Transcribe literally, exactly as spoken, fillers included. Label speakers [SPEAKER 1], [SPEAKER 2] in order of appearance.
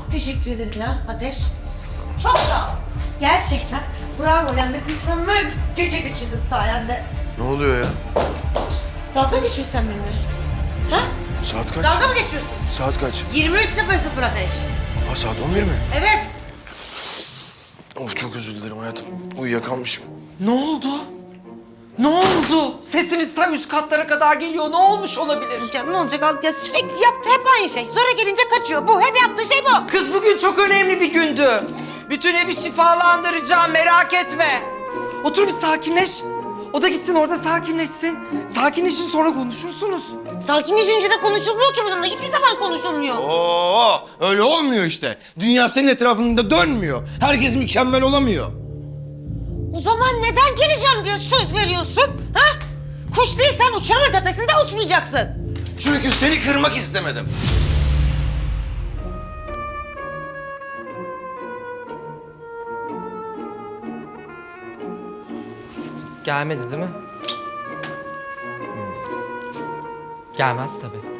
[SPEAKER 1] çok teşekkür ederim ya Ateş. Çok sağ ol. Gerçekten bravo yani mükemmel bir gece geçirdim sayende.
[SPEAKER 2] Ne oluyor ya?
[SPEAKER 1] Dalga geçiyorsun sen benimle. Ha?
[SPEAKER 2] Saat kaç?
[SPEAKER 1] Dalga mı geçiyorsun?
[SPEAKER 2] Saat kaç?
[SPEAKER 1] yirmi üç sıfır sıfır Ateş.
[SPEAKER 2] Ha, saat on bir mi?
[SPEAKER 1] Evet.
[SPEAKER 2] Of, çok özür dilerim hayatım. Uyuyakalmışım.
[SPEAKER 3] Ne oldu? Ne oldu? Sesiniz ta üst katlara kadar geliyor. Ne olmuş olabilir?
[SPEAKER 1] Canım ne olacak? Ya sürekli yaptı hep aynı şey. Sonra gelince kaçıyor. Bu hep yaptığı şey bu.
[SPEAKER 3] Kız bugün çok önemli bir gündü. Bütün evi şifalandıracağım, merak etme. Otur bir sakinleş. O da gitsin orada sakinleşsin. Sakinleşin, sonra konuşursunuz.
[SPEAKER 1] Sakinleşince de konuşulmuyor ki bununla. Hiçbir zaman konuşulmuyor.
[SPEAKER 2] Oo, öyle olmuyor işte. Dünya senin etrafında dönmüyor. Herkes mükemmel olamıyor.
[SPEAKER 1] O zaman neden geleceğim diye söz veriyorsun? Ha? Kuş değilsen uçuramın tepesinde uçmayacaksın.
[SPEAKER 2] Çünkü seni kırmak istemedim.
[SPEAKER 3] Gelmedi değil mi? Hmm. Gelmez tabii.